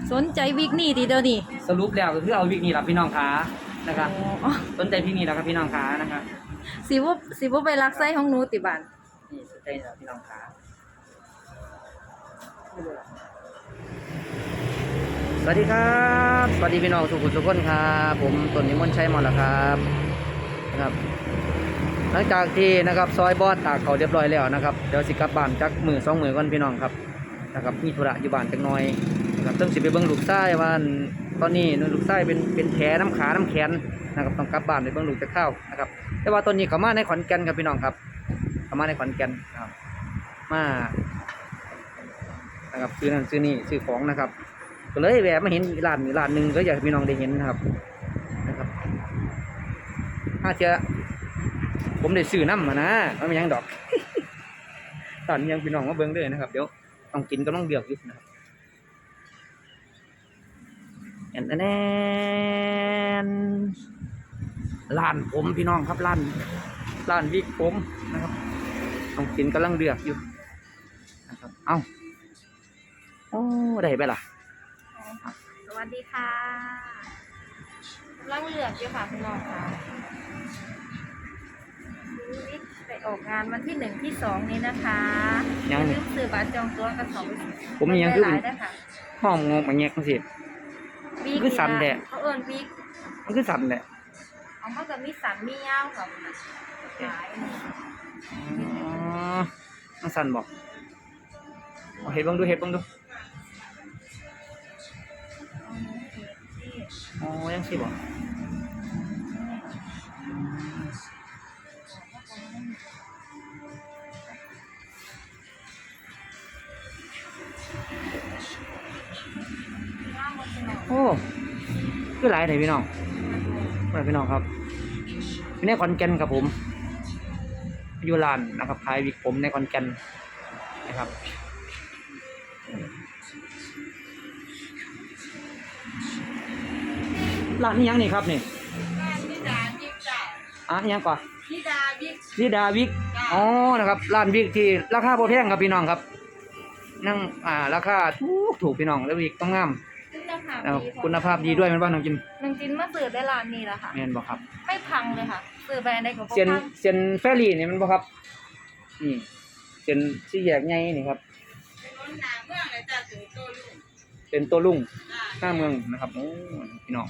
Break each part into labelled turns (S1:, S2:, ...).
S1: สนใจวิกนี่ดีเดียวนี่
S2: สรุปแล้วก็คือเอาวิกนี้ล่ะพี่น้องขานะครับ
S1: อ๋อ
S2: สนใจพี่นี่แล้วครับพี่น้องขานะครับ
S1: สิบ่ไปรักไส้ของหนูติบาน
S2: นี่สนใจแล้วพี่น้องขาสวัสดีครับสวัสดีพี่น้องสุขุมสุขคนครับผมต้นนิมนต์ชัยมอนละครับนะครับ หลังจากที่นะครับซอยบอสตากเขาเรียบร้อยแล้วนะครับเดี๋ยวสิกลับบ้านจักมือ2 มือก่อนพี่น้องครับนะครับมีธุระอยู่บ้านจักหน่อยนะครับต้องสิไปเบิ่งลูกชายว่าตอนนี้ลูกชายเป็นแผลน้ำขาน้ำแขนนะครับต้องกลับบ้านไปเบิ่งลูกจะเข้านะครับแต่ว่าตอนนี้เขามาในขอนแก่นครับพี่น้องครับเขามาในขอนแก่นนะครับมานะครับซื้อนั่นซื้อนี่ซื้อของนะครับก็เลยแวะมาเห็นร้านหนึ่งก็อยากให้พี่น้องได้เห็นนะครับถ้าเจอผมได้ซื้อน้ำมานะมันไม่ยังดอก ตอนนี้ยังพี่น้องมาเบิ่งเลยนะครับเดี๋ยวต้องกินก็ต้องเดือดอยู่นะครับแอนร้านผมพี่น้องครับร้านวิกผมนะครับต้องกินกำลังเดือดอยู่นะครับเอ้าโอ้ได้ไปล่ะ
S1: สวัสดีค่ะกำลังเลือกอยู่ค่ะพี่น้องค่ะวิกไปออกงานวันที่1 ที่ 2นี้นะคะอย่าลืมซื้อบัตรจองตั๋วกัน2
S2: ผมยังคือ
S1: หลายได้ค่ะ
S2: ห้องงงมาแงกมันสิ
S1: วิก
S2: คือสันแดะ
S1: เขาเอิ้นวิก
S2: มันคือสั่นแหละ
S1: เอามาจะมีสันมียาวค่ะหลาย
S2: อ๋อมันสั่นบอกเห็ดบ้างดูอ๋อยังสิบอกโอ้คือหลายเลยพี่น้องพี่น้องครับอยู่ในขอนแก่นครับผมอยู่ร้านนะครับขายวิกผมในขอนแก่นนะครับร้านนี้ยังนี่ครับนี่ยังก่อนนิดาวิกอ๋อนะครับร้านวิกที่ราคาพอแพงครับพี่น้องครับนั่งราคาถูกพี่น้องแล้ววิกต้องงามคุณภาพดีด้วยมันว่าน้องจิน
S1: มาซื้อได้ร้านนี้แล้วค่ะ
S2: แม่นบ่ครับ
S1: ไม่พังเลยค่ะซื้อแบรนด์ใดก็บ่พัง
S2: เซียนแฟรี่นี่มันบ่ครับนี่เซียนสี่แยกใหญ่นี่ครับเป็นตัวลุงหน้าเมืองนะครับโอ้พี่น้อง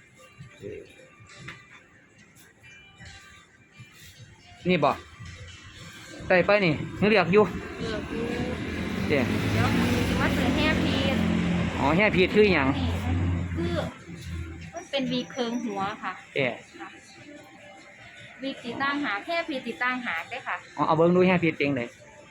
S2: นี่บ่ได้ไปนี่ยังเรียกอยู่เดี๋ยว
S1: มาซื้อแฮร์พีท
S2: อ๋อแฮร์พีทคือหยัง
S1: คือมันเป็นวีเคิงหัวค่ะวีติดตั้งหาแค่พีติดตั้งหาได้ค่ะ
S2: อ๋อเอาเบิ้งดูแฮร์พีทเองเลย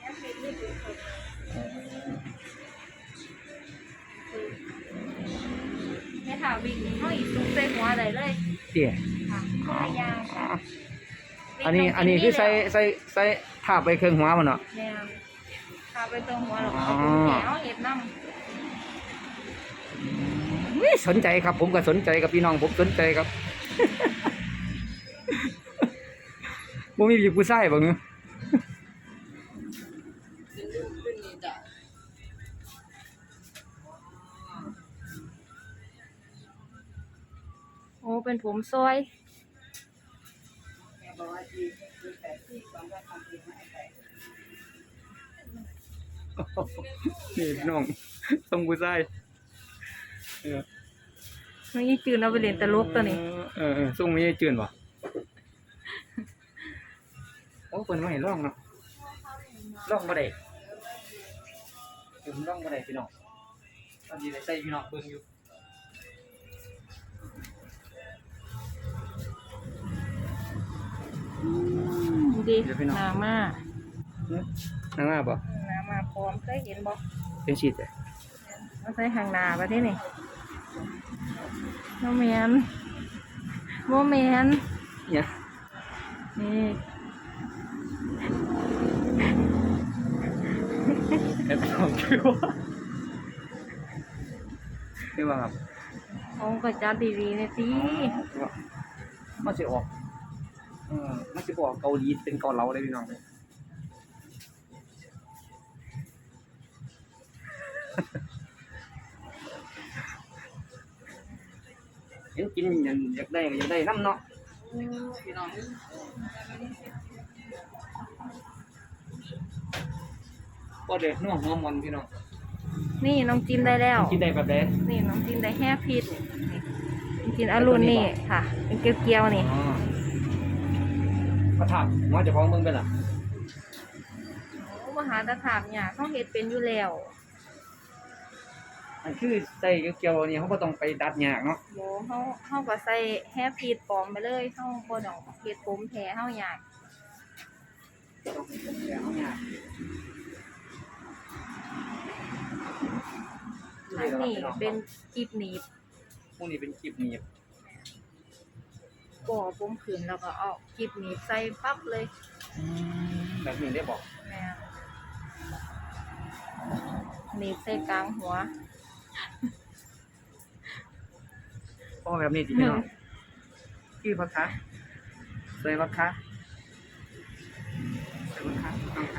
S1: เนี่ยค่ะวีนี้เขาอีกซุกใส่หัวเลย
S2: เดี๋ยว
S1: ค่ะยาว
S2: อันนี้คือใส่ทาบไปเครื่องหัวมันเนาะ
S1: เนี่ยทาบไปตรงหัวหรอกเอาแขวเห็ดน้ำ
S2: สนใจครับผมก็สนใจกับพี่น้องผมสนใจครับบ่มีผู้ชายบ่เงี้ย
S1: โอ้เป็นผมซอย
S2: นี่พี่น้องต้องผู้ชาย
S1: นี่จืนเอาไปเล่นตลกตัวนี้
S2: ส่งไม่ได้จืนป่ะโอ้เปิดมาเห็นร่องเนาะร่องบ่ได้ผมร่องบ่ได้พี่น้องตอนนี้ได้ใส่พี่น้องเบิ่งอยู่
S1: ดีนามา
S2: ป่ะ
S1: นามาพร้อมเคยเห็นบ่
S2: เป็นชีดเลย
S1: มาใส่หางนาไปที่นี่โมเมน
S2: เนี่ย
S1: นี่
S2: เอ็ดสองคือว่าครับ
S1: เอากระจาดดีๆเนี่ยสิ
S2: มันจะออกมันจะออกเกาหลีเป็นเกาเหลาเลยพี่น้องเลยยังกินอยากได้ก็อยากได้น้ำเนาะพี่น้องก็เด็ดนัวหอมมันพี่น้อง
S1: นี่น้องจินได้แล้ว
S2: กินได้แบบไหน
S1: นี่น้องจินได้แห้พิษน้องจินอรุณนี่ค่ะ เป็นเกลียวๆนี่
S2: อ๋อมาถามว่าจะพ้องเบิ่งเป็นล่ะ
S1: โอ้มหาตะถามเนี่ยเขาเฮ็ดเป็นอยู่แล้ว
S2: อันคือใส่เกี่ยวๆนี่เขาก็ต้องไปดัดหยากเนาะ
S1: โบเขาก็ใส่แห้พิษปลอมไปเลยเขาบ่ต้องเฮ็ดผมแท้เฮาอยาก
S2: ต้องไปดัดหยาก
S1: อันนี้เป็นกีบหนีบ
S2: พวกนี้เป็นคลิปหนีบ
S1: ก่อผมขึ้นแล้วก็เอากีบหนีบใส่ปั๊บเลย
S2: แบบนี้ได้บอก
S1: แม่หนีบใส่กลางหัว
S2: เพราะแบบนี้จริงๆเนาะคือพักคะใส่พักคะใส่พักคะ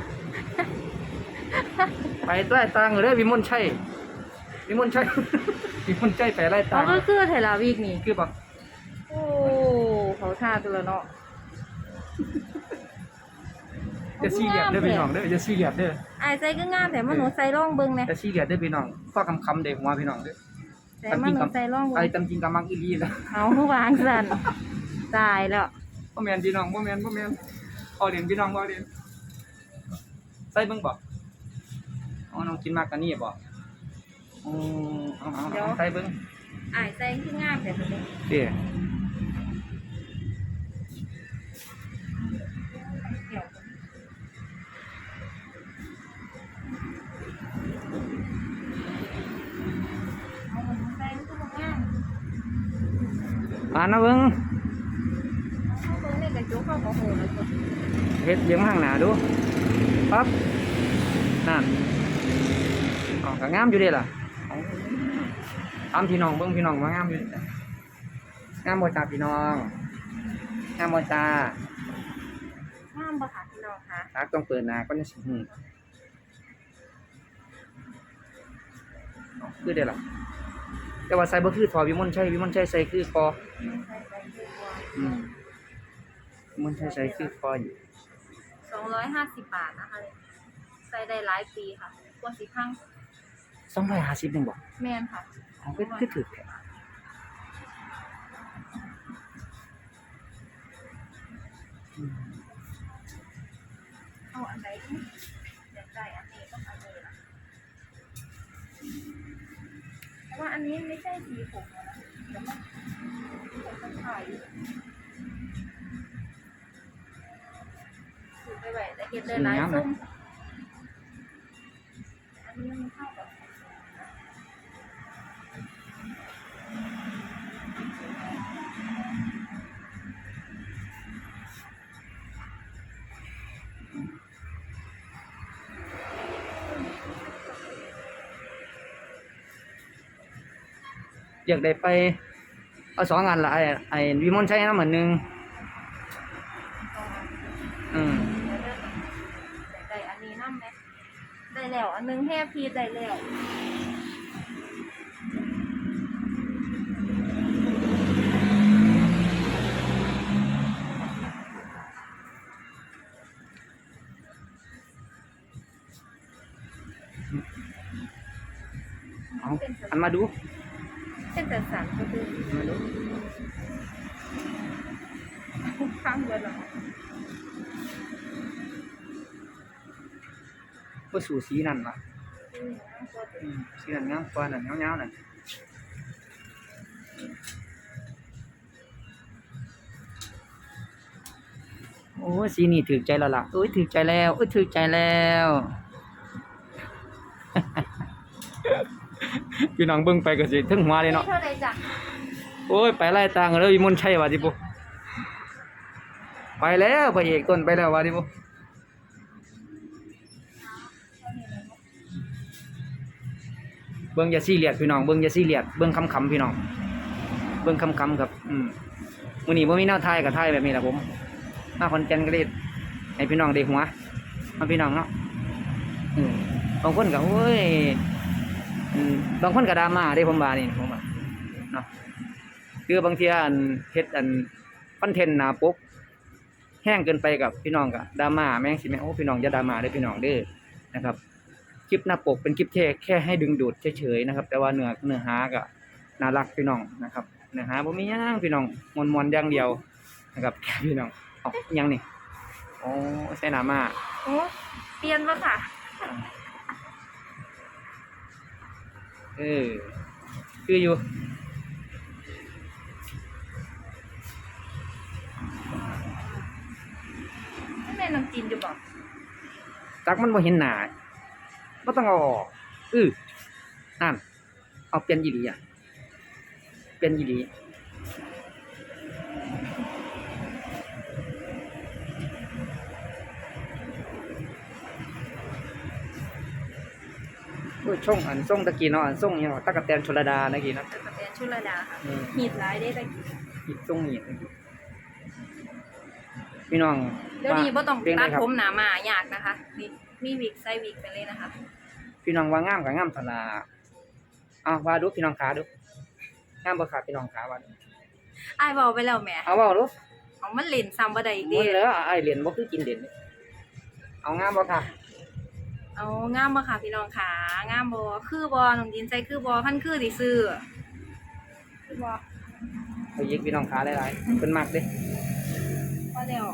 S2: ไปใต้ตังเด้อวิมลชัยวิมลชัย วิมลชัยไปไล่ตั
S1: เขา
S2: ง
S1: ก็คือเทลาวีกนี่
S2: คือบอก
S1: โอ้เขาท่าตัวละเนาะ
S2: จะซีเรียสเด้อพี่น้องเด้อจะซีเรียสเด้อ
S1: อายใจก็งามแต่มันหนูใส่ร่องเบิ่งแหน่
S2: จะซีเรียสเด้อพี่น้องข้อคำเด็กหัวพี่น้องเด้อ
S1: แต่มันหนูใส่ร่อง
S2: ไอ้
S1: เบิ่ง
S2: ตำจริงกำมังอีลีแล้ว
S1: เอาคือวางสั่นตายแล้ว
S2: บ่แม่นพี่น้องบ่แม่นเอาเรียนพี่น้องบ่เรียนใส่เบิ่งบ่เอาน้องกินมากกันนี่บ่เอาใส่เบิ่ง
S1: อายใจคืองามแต่ตัวนี้
S2: เด้อ
S1: เกี่ยวเอามันใส่มันก็บ่งาม
S2: อ่านนะเบิ่ง
S1: เขาเบิ่งในกระจกเขาก็โหแล้วตัว
S2: เฮ็ดเลี้ยงข้างหน้าดูปั๊บนั่นอ๋อก็งามอยู่เด้ล่ะตามพี่น้องเบิ่งพี่น้องว่างามอยู่เด้งามบ่จ้าพี่น้องงามบ่จ้าง
S1: ามบ่คะพี่น้องคะ
S2: ตักต้องเปิดหน้าก่อนสิคือเด้ล่ะแต่ว่าใส่บ่คือทอวิมลชัยใส่คือคอวิมลชัยใส่คือคออยู่
S1: 250 บาทนะคะเนี่ยใส่ได้หลายปีค่ะกว่าสิพัง
S2: 250นึงบ่
S1: แม่นค่ะ
S2: อ๋อคือถูกแท้
S1: เอาอันไหนอยากได้อันนี้ต้องอันนี้ล่ะเพราะว่าอันนี้ไม่ใช่สีผมนะเดี๋ยวมันผมถ่ายถือไปไว้แต่เห็นได้หลายส้มอันนี้มันเข้ากับ
S2: อยากได้ไปเอา2อันละไอ้วิมลชัยนำอันนึง
S1: ได้อันนี้น้ำไหมได้แล้วอันนึงแค่พีได้แล้ว
S2: เอาอันมาดู
S1: เป็นแต่สันก็คือ
S2: มาดู
S1: ข้างบนหรอ
S2: บ่สู่สีนั่นล่ะสีนั่นงามกว่านั่นยาวๆนั่นโอ้ยสีนี่ถูกใจแล้วล่ะโอ้ยถูกใจแล้วโอ้ยถูกใจแล้ว พี่น้องเบิ่งไปก็สิถึงหัวเลยเนาะ
S1: เท่าไรจ้ะ
S2: โอ้ยไปไล่ตางกันเลยวิมลชัยว่าดิบุไปแล้วพระเอกต้นไปแล้วว่าดิบุเบิ่งอย่าซีเรียสพี่น้องเบิ่งอย่าซีเรียสเบิ่งคำๆพี่น้องเบิ่งคำๆครับมื้อนี้บ่มีแนวทายกับทายแบบนี้ล่ะผมมาคอนแก่นก็ได้ให้พี่น้องได้หัวมาพี่น้องเนาะบางคนก็โอ้ยบางคนก็ดราม่าเด้ผมว่านี่ผมว่าเนาะ คืคือบางทีอันเฮ็ดอันคอนเทนต์หน้าปกแห้งเกินไปกับพี่น้องก็ดราม่าแม่งสิแม่โอ้พี่น้องอย่าดราม่าเด้อพี่น้องเด้อนะครับคลิปหน้าปกเป็นคลิปแค่ให้ดึงดูดเฉยๆนะครับแต่ว่าเนื้อหาก็น่ารักพี่น้องนะครับเนื้อหาบ่มีหยังพี่น้องม่วนๆอย่างเดียวนะครับแค่พี่น้องเอ้าอิหยังนี่อ๋อใส่หน้ามา
S1: โอ้เปลี่ยนบ่ค่ะ
S2: คืออยู่
S1: แม่น้ำจีนอยู่บ่
S2: จักมันบ่เห็นหน้าบ่ต้องเอาออกนั่นเอาเปลี่ยนอีหลีอ่ะเปลี่ยนอีหลีโอ้ยช่องอันส่งตะกี้เนาะอันส่งหยังวะตั๊กแตนชลดาตะกี้เนาะ
S1: ตะกะแตนชุลดาค่ะ
S2: อืม
S1: หีดหลายได้ตะกี้
S2: อีกส่งนี่ตะกี้พี่น้อง
S1: เดี๋ยวนี้บ่ต้อง
S2: เปลี่ยน
S1: ตั
S2: ได้
S1: ด
S2: ครับ
S1: ผมหนามายากนะคะมีวิกใส่วิกไปเลยนะคะ
S2: พี่น้องว่างามก็งามซั่นล่ะว่าดูพี่น้องขาดูงามบ่ครับพี่น้องขาว่าดู
S1: อ้ายเว้าไปแล้วแหม
S2: เอาเว้าดู
S1: เอามันเล่นซ้ำบ่ได้อีก
S2: มื้
S1: เด้
S2: อแล้วไอ้เหรียญบ่คือกินเหรียญนี่เอางามบ่ค่ะ
S1: เอางามบ่ค่ะพี่น้องขางามบ่คือบ่น้องดินใส่คือบ่คันคือสิซื้อคือบ่
S2: เอายิกพี่น้องขาหลายๆเพิ่นมักเด้
S1: พอแล้ว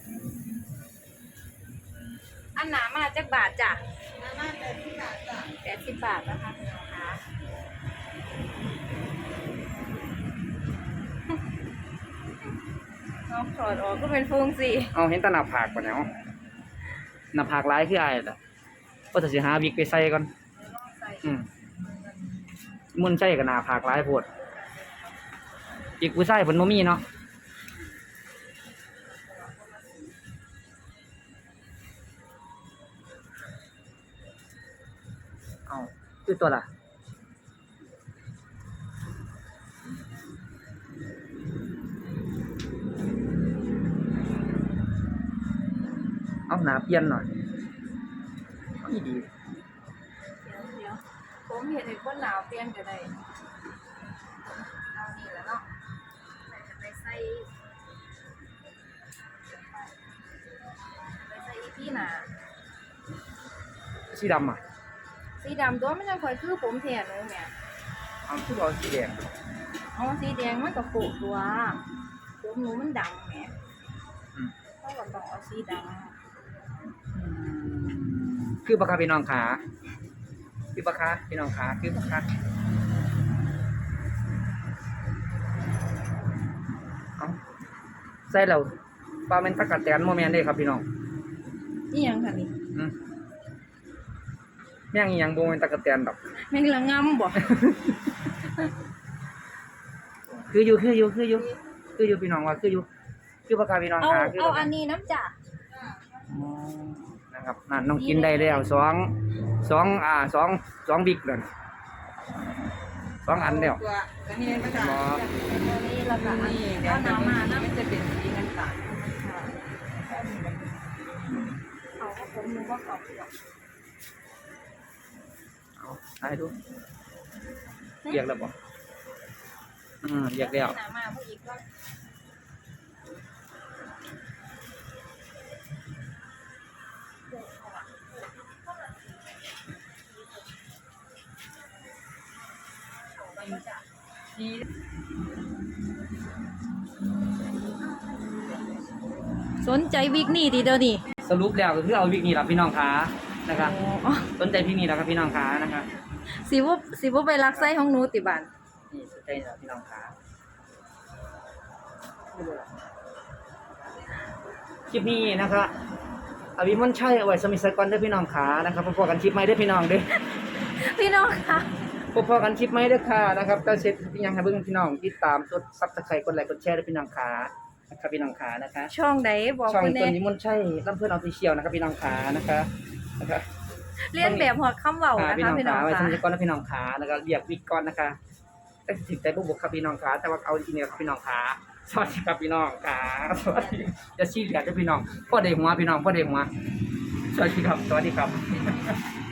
S1: อันหนามาจักบาทจ้ะหนามา80 บาทจ้ะ80 บาทนะคะพี่น้องคะเอาถอดออกก็เป็นฟงสิ
S2: เอาเห็นแตหน้าผากบ่เนี่ยเอาหน้าผากหลายคืออ้ายล่ะว่าถ้าสิหาวิกไปใส่ก่อน
S1: ลองใส่
S2: มุ่นใส่ก็หน้าผากหลายโพดอีกผู้ชายเพิ่นบ่มีเนาะเอาคือตัวล่ะเอาหน้าเปลี่ยนหน่อยเอาอีดี
S1: เดี๋ยวผมเห็นไอ้คนหนาวเปลี่ยนก็ได้เอานี่แล้วเนาะจะไปใส่อีพี่หนา
S2: สีดำอ่ะ
S1: สีดำตัวมันยังค่อยคือผมแทนเลยแม่
S2: เอาคือเอาสีแดง
S1: อ๋อสีแดงมันก็โปะตัวผมหนูมันดำแหม
S2: อืม
S1: เขาก็ต้องเอาสีด
S2: คือบักคาพี่น้องขาคือบักคาพี่น้องขาคือบักคาเอาใส่แล้วปลาเมนตะกะแตนโมเมนเด้ครับพี่น้อง
S1: ำนี่ยังค่ะนี่
S2: แม่งอีหยังโมเมนตะกะแตนดอก
S1: แม่งละงำบ่
S2: คืออยู่พี่น้องว่าคือบักคาพี่น้อง
S1: เอา
S2: ขาคือ
S1: เอา
S2: บัก
S1: อั
S2: คาน
S1: นี้น้ำจ่า
S2: อ๋อนะครับนั่นน้องกินได้แล้วสองบิ๊กเลย2 อันแล้ว
S3: ตัวอันนี้มันจะ
S2: บ่
S1: ตัวนี้ละค่ะ
S3: นี่
S1: เอาน้ำมาน้ำ
S3: มันจะเป็นสีเงินต่าง
S1: เขาก็ผมหนูก็ขอบคุณ
S2: เอาให้ดูเรียกแล้วบ่เรียกแล้ว
S1: น้ำมาผู้อีกก็สนใจวิกนี่ดีเดียวนี่
S2: สรุปแล้วก็คือเอาวิกนี่ล่ะพี่น้องขานะครับ
S1: อ๋อ
S2: สนใจพี่นี่แล้วครับพี่น้องขานะครับ
S1: สิบ่ไปรักไส้ของหนูติบัน
S2: นี่สนใจแล้วพี่น้องขาคลิปนี้นะครับอภิมนต์ชัยเอาไว้สมิทสกอนเด้อพี่น้องขานะครับพบกันคลิปใหม่เด้อพี่น้องเด้อ
S1: พี่น้องคะ
S2: พบกันคลิปใหม่เด้อค่ะนะครับก็เช็ดพี่ยังให้เบิ่งพี่น้องติดตามกด Subscribe กดไลค์กดแชร์เด้อพี่น้องขานะครับพี่น้องขานะคะ
S1: ช่องไหนบอก
S2: ช่อง
S1: คุณ
S2: ต้
S1: แน่
S2: นนิมนต์ชัยลำเพิ่นออฟฟิเชียลนะครับพี่น้องขานะคะนะครับ
S1: เรียนแบบหอดคำเว้านะ
S2: พี่
S1: คะ
S2: น้อง
S1: พี่น้
S2: ขา
S1: อง
S2: ไว้
S1: คะ
S2: สมิทสกอนนะพี่น้องขาแล้วก็เรียกวิกก่อนนะคะแต่ถึงใจบุกครับพี่น้องขาแต่ว่าเอาจริงๆครับพี่น้องขาสวัสดีครับพี่น้องขาสวัสดีจะชี้เหลือเด้อพี่น้องพ่อเด็กหัวพี่น้องพ่อเด็กหัวสวัสดีครับ